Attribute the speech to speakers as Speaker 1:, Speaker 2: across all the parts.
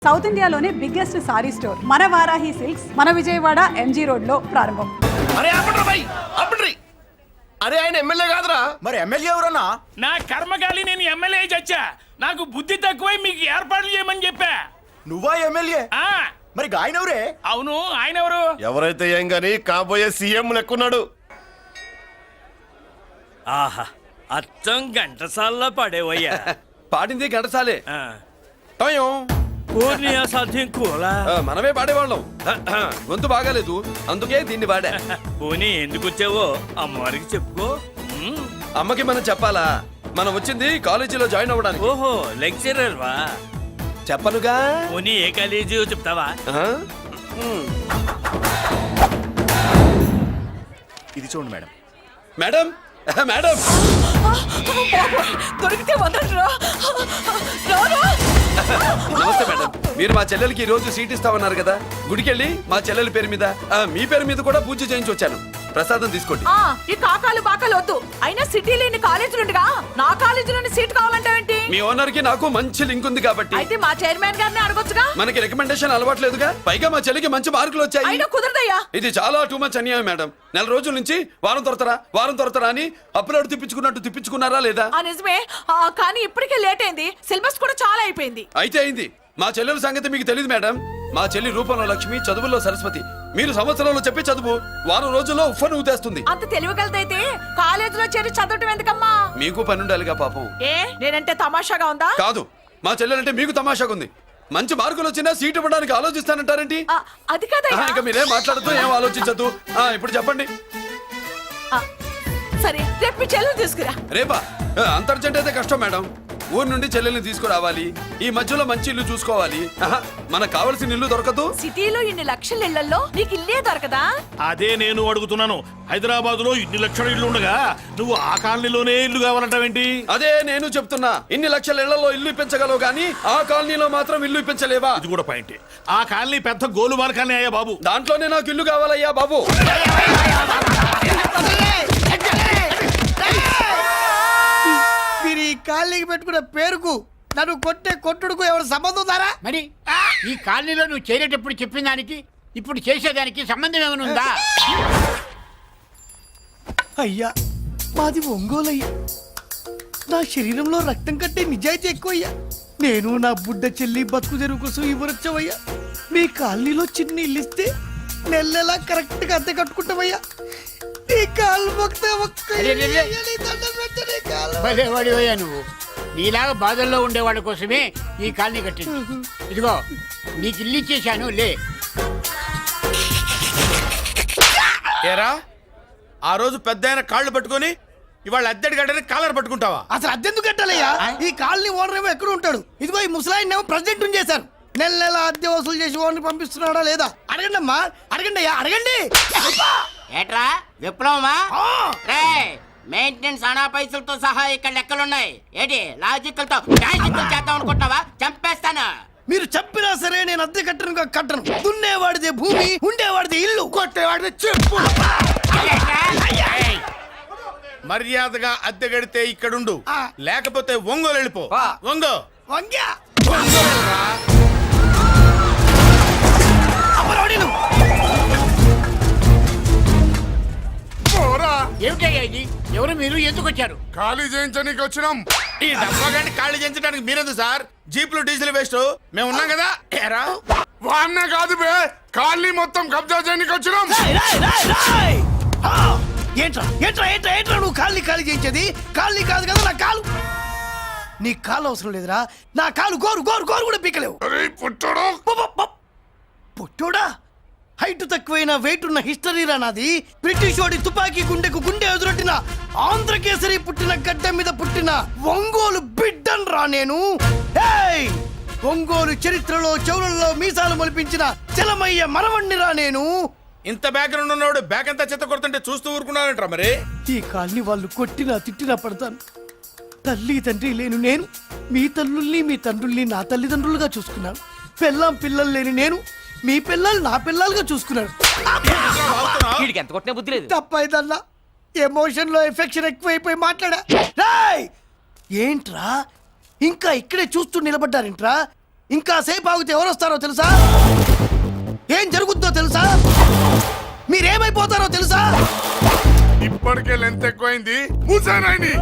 Speaker 1: South ఇండియాలోనే biggest sorry store మన Varahi silks మన విజయవాడ ఎంజీ రోడ్ లో ప్రారంభం.
Speaker 2: అరే ఆయన ఎమ్మెల్యే కాదురా.
Speaker 3: మరి ఎమ్మెల్యే ఎవరన్నా?
Speaker 4: నా కర్మకాలి నేను ఎమ్మెల్యే చచ్చా. నాకు బుద్ధి తక్కువై మీకు ఏర్పాట్లు చేయమని చెప్పా.
Speaker 3: నువ్వా ఎమ్మెల్యే? మరి ఆయన ఎవరే?
Speaker 4: అవును, ఆయన ఎవరు?
Speaker 2: ఎవరైతే ఏం గాని కాబోయే సీఎం లెక్కున్నాడు.
Speaker 5: ఆహా, అచ్చం గంటసాల్లో పడేవయ్యా.
Speaker 6: పాడింది గంటసాలే.
Speaker 5: పూర్ణియా సాధ్యం కూలా
Speaker 6: మనమే పాడేవాళ్ళం. గొంతు బాగాలేదు, అందుకే దీన్ని పాడా.
Speaker 5: పోనీ ఎందుకు వచ్చావో అమ్మవారికి చెప్పుకో.
Speaker 6: అమ్మకి మనం చెప్పాలా? మనం వచ్చింది కాలేజీలో జాయిన్ అవ్వడానికి.
Speaker 5: ఓహో, లెక్చరర్ వా?
Speaker 6: చెప్పనుగా.
Speaker 5: పోనీ ఏ కాలేజీ చెప్తావా?
Speaker 3: ఇది చూడండి మేడం.
Speaker 6: మేడం మేడం
Speaker 1: దొరికితే వదలరా.
Speaker 6: నమస్తే మేడం. మీరు మా చెల్లెలకి ఈ రోజు సీట్ ఇస్తామన్నారు కదా, గుడికెళ్ళి మా చెల్లెల పేరు మీద మీ పేరు మీద కూడా పూజ చేయించి వచ్చాను. ప్రసాదం తీసుకోండి.
Speaker 7: ఈ కాకాలు బాకాలు వద్దు. అయినా సిటీ లేని కాలేజీలు ఉండగా నా కాలేజీలోని సీట్ కావాలంటావేంటి?
Speaker 6: మీ ఓనర్ కి నాకు మంచి లింక్ ఉంది కాబట్టి.
Speaker 7: అయితే మా చైర్మన్ గారిని అడగొచ్చుగా.
Speaker 6: మనకి రికమెండేషన్ అలవాట్లేదుగా. పైగా మా చెల్లికి మంచి మార్కులు వచ్చాయి.
Speaker 7: అయినా కుదరదయ్యా.
Speaker 6: ఇది చాలా టూ మచ్ అన్యాయం మేడం. నెల రోజుల నుంచి వారం తొరతరా అని అప్లోడ్ తిప్పించుకున్నట్టు తిప్పించుకున్నారా లేదా?
Speaker 7: నిజమే, కానీ ఇప్పటికే లేట్ అయింది. సిలబస్ కూడా చాలా అయిపోయింది.
Speaker 6: అయితే అయింది. మా చెల్లెల సంగతి మీకు తెలియదు మేడం. మా చెల్లి రూపంలో లక్ష్మి, చదువుల్లో సరస్వతి. మీరు సంవత్సరంలో చెప్పి చదువు వారం రోజుల్లో ఉఫ్ఫను ఊతేస్తుంది.
Speaker 7: అంత తెలివిగలదైతే కాలేజీలో చేరి చదవటం ఎందుకమ్మా?
Speaker 6: మీకు పని ఉండాలిగా పాపం.
Speaker 7: నేనంటే తమాషాగా ఉందా?
Speaker 6: కాదు, మా చెల్లెలంటే మీకు తమాషాగా ఉంది. మంచి మార్కులు వచ్చినా సీట్ ఇవ్వడానికి ఆలోచిస్తానంటారేంటి?
Speaker 7: అది కాదయ్యా.
Speaker 6: ఇంకా మీరేం మాట్లాడుతూ ఏం ఆలోచించద్దు. ఇప్పుడు చెప్పండి.
Speaker 7: సరే, రేపు మీ చెల్లెలు తీసుకురా.
Speaker 6: రేపా? అంత అర్జెంట్ అయితే కష్టం మేడం. ఊరు నుండి చెల్లెల్ని తీసుకురావాలి. ఈ మధ్యలో మంచి ఇల్లు చూసుకోవాలి. మనకు కావాల్సిన ఇల్లు దొరకదు.
Speaker 7: సిటీలో ఇన్ని లక్షల ఇళ్లలో నీకు ఇల్లే దొరకదా?
Speaker 4: అదే నేను అడుగుతున్నాను. హైదరాబాద్ లో ఇన్ని లక్షల ఇల్లు ఉండగా నువ్వు ఆ కాలనీలోనే ఇల్లు కావాలంటావేంటి?
Speaker 6: అదే నేను చెప్తున్నా. ఇన్ని లక్షల ఇళ్లలో ఇల్లు ఇప్పించగలవు గానీ ఆ కాలనీలో మాత్రం ఇల్లు ఇప్పించలేవా?
Speaker 4: ఇది కూడా పాయింట్. ఆ కాలనీ పెద్ద గోలుమాల కాలనీ అయ్యా బాబు.
Speaker 6: దాంట్లోనే నాకు ఇల్లు కావాలయ్యా బాబు.
Speaker 8: మీరు ఈ కాలనీకి పెట్టుకున్న పేరుకు నన్ను కొట్టే కొట్టుడుకు ఎవరు సంబంధం ఉందారా?
Speaker 9: మరి ఈ కాలనీలో నువ్వు చేరేటప్పుడు చెప్పిన దానికి ఇప్పుడు చేసేదానికి సంబంధం ఏమైనా ఉందా?
Speaker 8: అయ్యా, మాది ఒంగోలయ్యా. నా శరీరంలో రక్తం కట్టే నిజాయితీ ఎక్కువయ్యా. నేను నా బుడ్డ చెల్లి బతుకు తెరువు కోసం ఇవ్వరొచ్చావయ్యా. మీ కాలనీలో చిన్న ఇల్లు ఇస్తే నెలలా కరెక్ట్ గా అద్దె కట్టుకుంటామయ్యా. నీ కాలు
Speaker 9: భలేవాడివయ్యా నువ్వు. నీలాగా బాధల్లో ఉండేవాళ్ళ కోసమే ఈ కాలనీ కట్టింది. ఇదిగో నీకు ఇల్లు ఇచ్చేశాను, లే.
Speaker 4: ఏరా, ఆ రోజు పెద్ద ఆయన కాళ్ళు పట్టుకొని ఇవాళ అద్దెడి గడ్డని కాలర్ పట్టుకుంటావా?
Speaker 8: అసలు అద్దెందుకు కట్టాలయ్యా? ఈ కాలనీ ఓనర్ ఏమో ఎక్కడ ఉంటాడు? ఇదిగో ఈ ముసలాయిన్ ఏమో ప్రెసిడెంట్ చేశారు. నెల నెల అద్దె వసూలు చేసి ఓనర్ పంపిస్తున్నాడా లేదా? అడగండి అమ్మా, అడగండి అయ్యా, అడగండి.
Speaker 9: ఏట్రా విప్లవమా? మెయింటెనెన్స్ అనా పైసలతో సహా ఇక్కడ లెక్కలున్నాయి. ఏంటి లాజికల్ తో చేద్దాం అనుకుంటున్నావా? చంపేస్తాను.
Speaker 8: మీరు చెప్పినా సరే నేను అద్దె కట్టను. దున్నేవాడిదే భూమి, ఉండేవాడిదే ఇల్లు, కొట్టేవాడిదే చెప్పు.
Speaker 4: మర్యాదగా అద్దె గడితే ఇక్కడుండు, లేకపోతే ఒంగోలు వెళ్ళిపో. ఒంగో
Speaker 8: వంగ్యా
Speaker 9: ఏమిటయ్యా ఇది? ఎవరు మీరు? ఎందుకు వచ్చారు?
Speaker 4: ఖాళీ చేయించడానికి వచ్చినాం. ఈ డబ్బా గంట ఖాళీ చేయించడానికి మీరెందు సార్? జీపులు డీజిల్ వేస్ట్, మేము ఉన్నాం కదా. ఏరా వాన్న కాదు బే, ఖాళీ మొత్తం కబ్జా చేయడానికి వచ్చినాం.
Speaker 8: ఏంట్రా నువ్వు కాళ్ళని ఖాళీ చేయించేది? కాళ్ళని కాదు కదా నా కాలు. నీ కాలు అవసరం లేదురా. నా కాలు గోరు కూడా పీకలేవు. పుట్టోడా, హైట్ తక్కువైన వెయిట్ ఉన్న హిస్టరీరా నాది. బ్రిటిష్ వాడి తుపాకీ గుండెకు గుండె ఎదురొట్టిన ఆంధ్రకేసరి పుట్టిన గడ్డ మీద పుట్టిన ఒంగోలు బిడ్డన్ రా నేను. ఒంగోలు చరిత్రలో చౌరల్లో మీసాలు మొలిపించిన చలమయ్య మనవణ్ణిరా నేను.
Speaker 4: ఇంత బ్యాక్గ్రౌండ్ ఉన్నవాడు బ్యాక్ అంతా చెత్త కొడుతుంటే చూస్తూ ఊరుకున్నారంట. మరి
Speaker 8: ఈ కాల్ని వాళ్ళు కొట్టినా తిట్టినా పడతాను. తల్లి తండ్రి లేను నేను మీ తల్లుల్ని మీ తండ్రుల్ని నా తల్లిదండ్రులుగా చూసుకున్నాను. పెళ్ళాం పిల్లలు లేని నేను మీ పిల్లలు నా పిల్లలుగా చూసుకున్నాను. తప్పైదల్లా ఎమోషన్ లో ఎఫెక్షన్ ఎక్కువైపోయి మాట్లాడా. ఏంట్రా ఇంకా ఇక్కడే చూస్తూ నిలబడ్డారేంట్రా? ఇంకా సేపు ఆగితే ఎవరు వస్తారో తెలుసా? ఏం జరుగుతుందో తెలుసా? మీరేమైపోతారో తెలుసా?
Speaker 4: ఇప్పటికే లెంత్ ఎక్కువైంది. మూసానాయని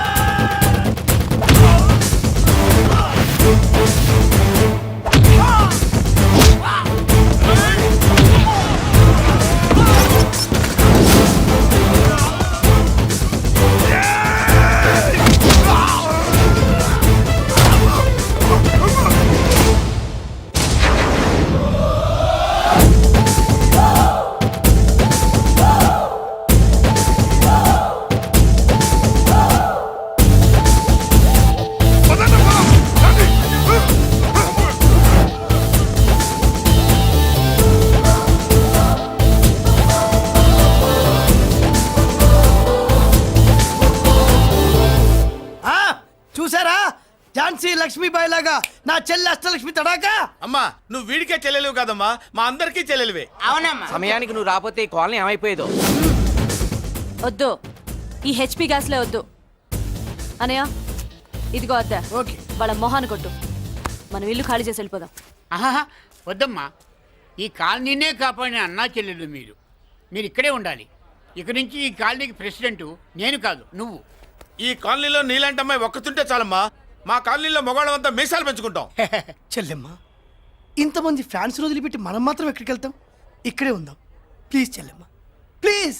Speaker 8: ఆ, చూసారా? ఝాన్సీ లక్ష్మీబాయి లాగా నా చెల్లి అష్టలక్ష్మి తడాకా.
Speaker 4: అమ్మా నువ్వు వీడికే చెల్లెలివి కాదమ్మా, మా అందరికీ చెల్లెలివే.
Speaker 9: అవునమ్మా.
Speaker 10: సమయానికి నువ్వు రాకపోతే ఈ కాలనీ ఏమైపోయేదో.
Speaker 7: వద్దు, ఈ హెచ్పి గ్యాస్లే వద్దు. అనయ్య ఇదిగో అద్దా,
Speaker 8: ఓకే.
Speaker 7: వాళ్ళ మొహాన్ని కొట్టు. మనం ఇల్లు ఖాళీ చేసి వెళ్ళిపోదాం.
Speaker 9: ఆహా, వద్దమ్మా. ఈ కాలనీనే కాపాడిన అన్నా చెల్లెలు మీరు. మీరు ఇక్కడే ఉండాలి. ఇక నుంచి ఈ కాలనీకి ప్రెసిడెంట్ నేను కాదు, నువ్వు.
Speaker 4: ఈ కాలనీలో నీలాంటి అమ్మాయి ఒక్కతుంటే చాలమ్మా. మా కాలనీలో మగవాళ్ళంతా మీసాలు పెంచుకుంటాం.
Speaker 8: చెల్లెమ్మ, ఇంతమంది ఫ్యాన్స్ వదిలిపెట్టి మనం మాత్రం ఎక్కడికి వెళ్తాం? ఇక్కడే ఉందాం ప్లీజ్ చెల్లెమ్మ, ప్లీజ్.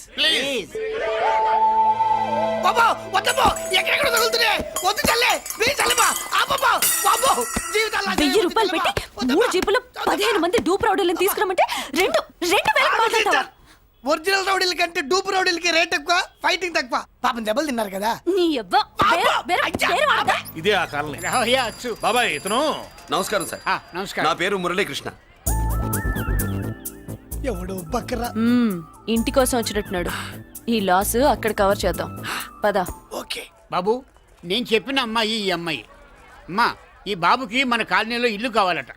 Speaker 8: బాబా వద్దమ్మా, ఎక్కడెక్కడ తగులుతున్నాయి. వద్దు చెల్లె, ప్లీజ్ చెల్లెమ్మ. ఆపమ్మా, బాబో, జీవితాలు
Speaker 7: 1000 రూపాయలు పెట్టి 3 జీపులు 15 మంది డూప్ రౌడీలను తీసుకురమ్మంటే 2,000 మాట్లాడతావా?
Speaker 8: ఒరిజినల్ రౌడీల కంటే డూప్ రౌడీలకి రేట్ ఎక్కువ, ఫైటింగ్ తక్కువ. పాపం దెబ్బలు తిన్నారు కదా.
Speaker 7: నీ అబ్బా వేరే వాడదా?
Speaker 5: ఇదే ఆ కాలనీ.
Speaker 9: రావయ్యా, అచ్చు.
Speaker 5: బాబాయ్ ఇతను
Speaker 6: నమస్కారం సార్.
Speaker 9: నమస్కారం.
Speaker 6: నా పేరు మురళీకృష్ణ.
Speaker 8: ఎవడో బక్కరా.
Speaker 7: ఇంటి కోసం వచ్చినట్టున్నాడు. ఈ లాస్ అక్కడ కవర్ చేద్దాం పద.
Speaker 8: ఓకే
Speaker 9: బాబు, నేను చెప్పిన అమ్మాయి ఈ అమ్మాయి. అమ్మా, ఈ బాబుకి మన కాలనీలో ఇల్లు కావాలట.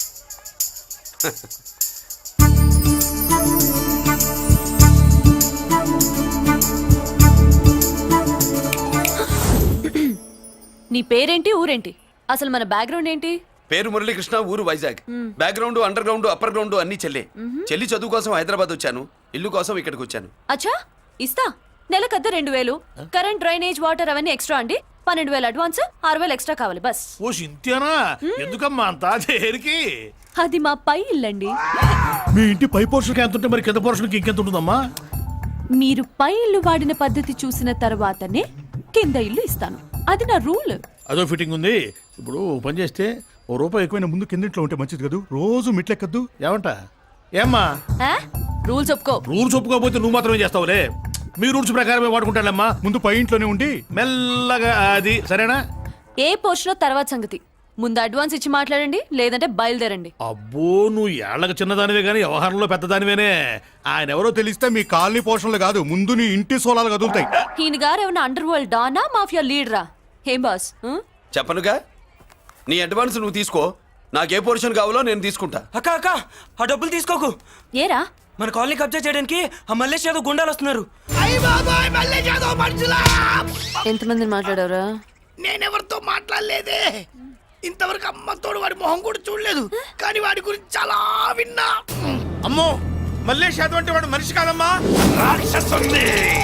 Speaker 7: నీ పేరేంటి, ఊరేంటి, అసలు మన బ్యాక్గ్రౌండ్ ఏంటి?
Speaker 6: పేరు మురళీకృష్ణ, ఊరు Vizag. Background, underground, upper ground అన్ని చెల్లె. చెల్లి చదువు కోసం హైదరాబాద్ వచ్చాను, ఇల్లు కోసం ఇక్కడికి వచ్చాను.
Speaker 7: అచ్చా, ఇస్తా. నెలకద్ద 2000, కరెంట్, డ్రైనేజ్, వాటర్ అవన్నీ ఎక్స్ట్రా అండి. 12,000 అడ్వాన్స్, 6,000 ఎక్స్ట్రా కావాలి బస్.
Speaker 5: ఓ సింతేనా? ఎందుకమ్మా అంతా చేరికి?
Speaker 7: అది మా పై ఇల్లండి.
Speaker 5: మీ ఇంటి పై పోర్షన్కి ఎంత ఉంటే మరి కింద పోర్షన్కి ఇంకెంత ఉంటుందమ్మా?
Speaker 7: మీరు పై ఇల్లు వాడిన పద్ధతి చూసిన తర్వాతనే కింద ఇల్లు ఇస్తాను. అది నా రూల్.
Speaker 5: అదో ఫిట్టింగ్ ఉంది. ఇప్పుడు ఓ పని చేస్తే ₹1 ఎక్కువైన ముందు కిందింట్లో ఉంటే మంచిది కదా, రోజు మిట్లెక్కద్దు. ఏమంటా? ఏమ్మా
Speaker 7: రూల్స్ ఒప్పుకో.
Speaker 5: రూల్స్ ఒప్పుకోకపోతే నువ్వు మాత్రమే చేస్తావులే. మీ రూల్స్ ప్రకారమే వాడుకుంటానమ్మా. ముందు పై ఇంట్లోనే ఉండి మెల్లగా అది, సరేనా?
Speaker 7: ఏ పోర్షన్ తర్వాత సంగతి. ముందు అడ్వాన్స్ ఇచ్చి మాట్లాడండి, లేదంటే బయలుదేరండి.
Speaker 5: అబ్బో, నువ్వు ఏళ్ళకి చిన్నదానివే కానీ వ్యవహారంలో పెద్దదానివేనే. ఆయన ఎవరో తెలిస్తే మీ కాలనీ పోషణలు కాదు, ముందు నీ ఇంటి సోలాలు కదులుతాయి.
Speaker 7: ఈయన గారు ఏమన్నా అండర్ వరల్డ్ డానా, మాఫియా లీడరా? ఏం బాస్?
Speaker 6: చెప్పనుగా, నీ అడ్వాన్స్ నువ్వు తీసుకో, నాకే పోర్షన్ కావాలో నేను తీసుకుంటా.
Speaker 10: అక్క అక్క, ఆ డబ్బులు తీసుకోకు.
Speaker 7: ఏరా?
Speaker 10: మన కాలనీ కబ్జా చేయడానికి ఆ మల్లేష్ యాదవ్ గుండాలు వస్తున్నారు.
Speaker 8: అయ్య బాబాయ్, మళ్ళీ చదువు మనుషులా.
Speaker 7: ఎంతమందిని మాట్లాడారా?
Speaker 8: నేనెవరితో మాట్లాడలేదే. ఇంతవరకు అమ్మతోడు వాడి మొహం కూడా చూడలేదు, కానీ వాడి గురించి చాలా విన్నా.
Speaker 4: అమ్మో, మల్లేష్ యాదవ్ అంటే వాడు మనిషి కాదమ్మా, రాక్షసుని.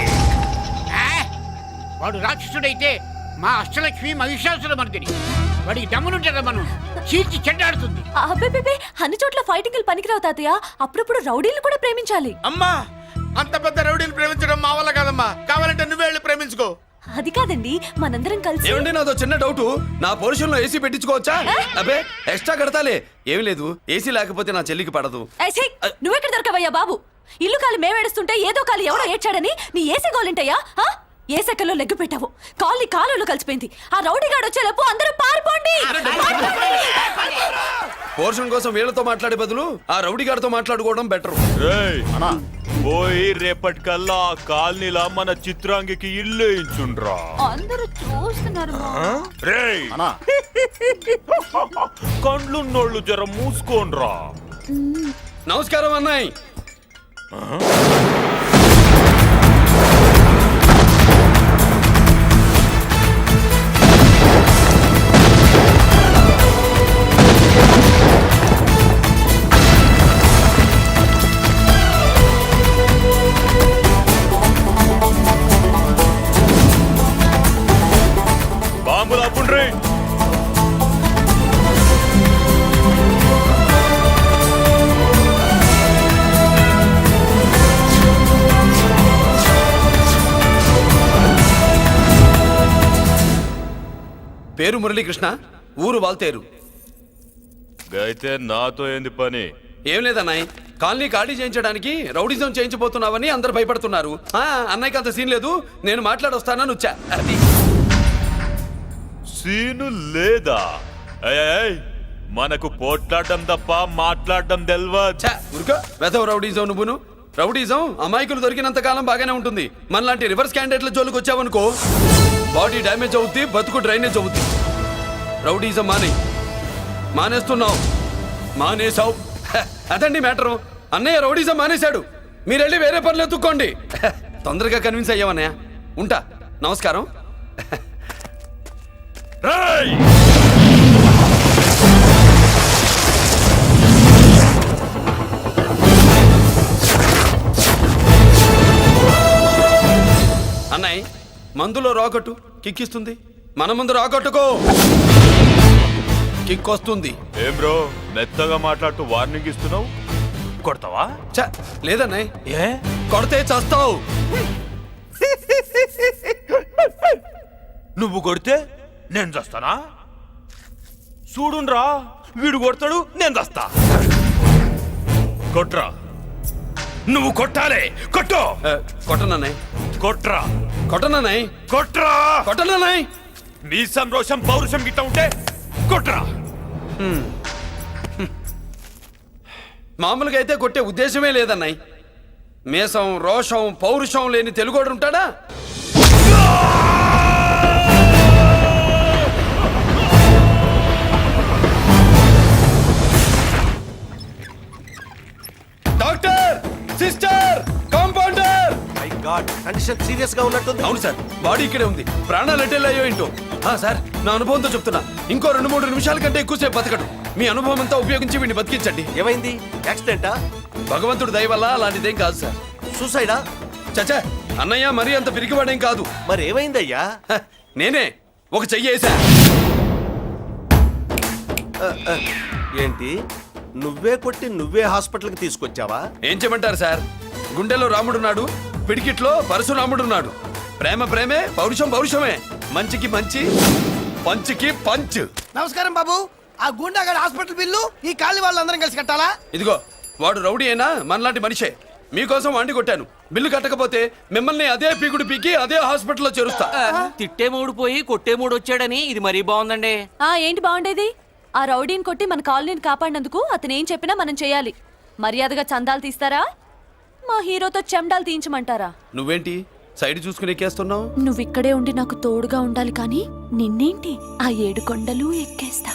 Speaker 9: వాడు రాక్షసుడైతే మా అష్టలక్ష్మి మహిషాసుల మర్దిని. వాడికి దమ్మునుంటారా మనం చీల్చి చెడ్డాడుతుంది.
Speaker 7: అబ్బే, అన్ని చోట్ల ఫైటింగ్ పనికిరావు తాతయ్య. అప్పుడప్పుడు రౌడీలు కూడా ప్రేమించాలి.
Speaker 4: అమ్మా, అంత పెద్ద రౌడీని ప్రేమించడం మా వల్ల కాదమ్మా. కావాలంటే నువ్వే వెళ్ళి ప్రేమించుకో.
Speaker 7: అది కాదండి, మనందరం కలిసి.
Speaker 6: ఏమండి, నాదో చిన్న డౌట్. నా పోర్షన్ లో ఏసీ పెట్టించుకోవచ్చా? అబ్బే, ఎక్స్ట్రా కడతాలే. ఏమి లేదు, ఏసీ లేకపోతే నా చెల్లికి పడదు.
Speaker 7: నువ్వెక్కడ దొరకవయ్యా బాబు? ఇల్లు కాలి మేమేడుస్తుంటే ఏదో కాలి ఎవరో ఏడ్చాడని నీ ఏసీ గోలింటయ్యా? ఏ సెకల్లో లెగ్గు పెట్టావు? కాలి కాలులో కలిసిపోయింది. ఆ రౌడీ గాడు వచ్చేలోపు అందరూ పారిపోండి.
Speaker 6: పోర్షన్ కోసం వీళ్ళతో మాట్లాడే బదులు ఆ రౌడీ గారితో మాట్లాడుకోవడం బెటర్.
Speaker 2: పోయి రేపటికల్లా ఆ కాలనీలా మన చిత్రాంగికి ఇల్లు ఇచ్చుండ్రా.
Speaker 7: అందరూ చూస్తున్నారు.
Speaker 2: రేయ్, కండ్లున్నోళ్ళు జర మూసుకోండ్రా.
Speaker 6: నమస్కారం అన్నాయ్. పేరు మురళీకృష్ణ, ఊరు వాల్తేరు.
Speaker 2: అయితే నాతో ఏంది పని?
Speaker 6: ఏం లేదన్నాయ్, కాలనీ ఖాళీ చేయించడానికి రౌడిజం చేయించబోతున్నావని అందరు భయపడుతున్నారు. అన్నయ్యకి అంత సీన్ లేదు, నేను మాట్లాడొస్తానని వచ్చా. అది
Speaker 2: సీను లేదా? ఏయ్, మనకు పోట్లాడడం తప్ప మాట్లాడడం తెల్వా.
Speaker 6: ఉరుకో వెధవ రౌడీజం. నువ్వును రౌడీజం అమాయకులు దొరికినంత కాలం బాగానే ఉంటుంది. మనలాంటి రివర్స్ క్యాండిడేట్ల జోలికి వచ్చావనుకో బాడీ డ్యామేజ్ అవుద్ది, బతుకు డ్రైనేజ్ అవుద్ది. రౌడీజం మానేస్తున్నావు, మానేసావు. అదండి మ్యాటరు. అన్నయ్య రౌడీజం మానేశాడు, మీరెళ్ళి వేరే పనులు ఎత్తుక్కోండి. తొందరగా కన్విన్స్ అయ్యావన్నయ్య. ఉంటా, నమస్కారం.
Speaker 2: రేయ్!
Speaker 6: అన్నయ్య మందులో రాకట్టు కిక్కిస్తుంది, మన ముందు రాకట్టుకో కిక్ వస్తుంది.
Speaker 2: ఏం బ్రో మెత్తగా మాట్లాడుతూ వార్నింగ్ ఇస్తున్నావు? కొడతావా?
Speaker 6: లేదన్నయ్య,
Speaker 2: ఏ
Speaker 6: కొడితే చస్తావు.
Speaker 2: నువ్వు కొడితే నేను చస్తానా? చూడుండ్రా, వీడు కొడతాడు, నేను చస్తా. కొట్రా, నువ్వు కొట్టాలి. కొట్టు.
Speaker 6: కొట్టనన్నయ్య,
Speaker 2: కొట్రా,
Speaker 6: కొట్టనన్నయ్య,
Speaker 2: కొట్రా,
Speaker 6: కొట్టనన్నయ్య.
Speaker 2: మీ సంరోషం పౌరుషం గిట్ట ఉంటే కొట్రా.
Speaker 6: మామూలుగా అయితే కొట్టే ఉద్దేశమే లేదన్నయ్య. మేషం, రోషం, పౌరుషం లేని తెలుగోడు ఉంటాడా? Doctor, sister, compounder.
Speaker 3: My god, condition serious గా ఉన్నట్టుంది.
Speaker 6: అవును సార్, బాడీ ఇక్కడే ఉంది. ప్రాణాలు ఎట్టెళ్ళాయో ఏంటో. సార్, నా అనుభవంతో చెప్తున్నా, ఇంకో 2-3 నిమిషాల కంటే ఎక్కువసేపు బతకడు. మీ అనుభవం అంతా ఉపయోగించి వీడిని బతికించండి.
Speaker 3: ఏమైంది? యాక్సిడెంటా?
Speaker 6: భగవంతుడు దయ వల్ల అలాంటిదేం కాదు సార్.
Speaker 3: సూసైడా?
Speaker 6: చచ్చా, అన్నయ్య మరీ అంత పిరికివాడేం కాదు.
Speaker 3: మరి ఏమైందయ్యా?
Speaker 6: నేనే ఒక చెయ్యేసా.
Speaker 3: ఏంటి, నువ్వే కొట్టి నువ్వే హాస్పిటల్కి తీసుకొచ్చావా?
Speaker 6: ఏం చేయమంటారు సార్, గుండెలో రాముడున్నాడు, పిడికిట్లో పరశురాముడున్నాడు. ప్రేమ ప్రేమే, పౌరుషం పౌరుషమే. మంచికి మంచి, పంచికి పంచ్.
Speaker 8: నమస్కారం బాబు. ఆ గుండాగడ్ హాస్పిటల్ బిల్లు ఈ కాలి వాళ్ళందరం కలిసి కట్టాలా?
Speaker 6: ఇదిగో, వాడు రౌడీ అయినా మనలాంటి మనిషే. మీకోసం వండి కొట్టాను. బిల్లు కట్టకపోతే మిమ్మల్ని అదే పీకుడు పీకి అదే హాస్పిటల్లో చేరుస్తా.
Speaker 10: తిట్టే మూడు పోయి కొట్టే మూడు వచ్చాడని ఇది మరీ బాగుందండి.
Speaker 7: ఏంటి బాగుండేది? ఆ రౌడీని కొట్టి మన కాలనీని కాపాడినందుకు అతను ఏం చెప్పినా మనం చేయాలి. మర్యాదగా చందాలు తీస్తారా, మా హీరోతో చెండాలు తీయించమంటారా?
Speaker 6: నువ్వేంటి సైడ్ చూసుకుని ఎక్కేస్తున్నావు?
Speaker 7: నువ్విక్కడే ఉండి నాకు తోడుగా ఉండాలి, కానీ నిన్నేంటి ఆ 7 కొండలు ఎక్కేస్తా.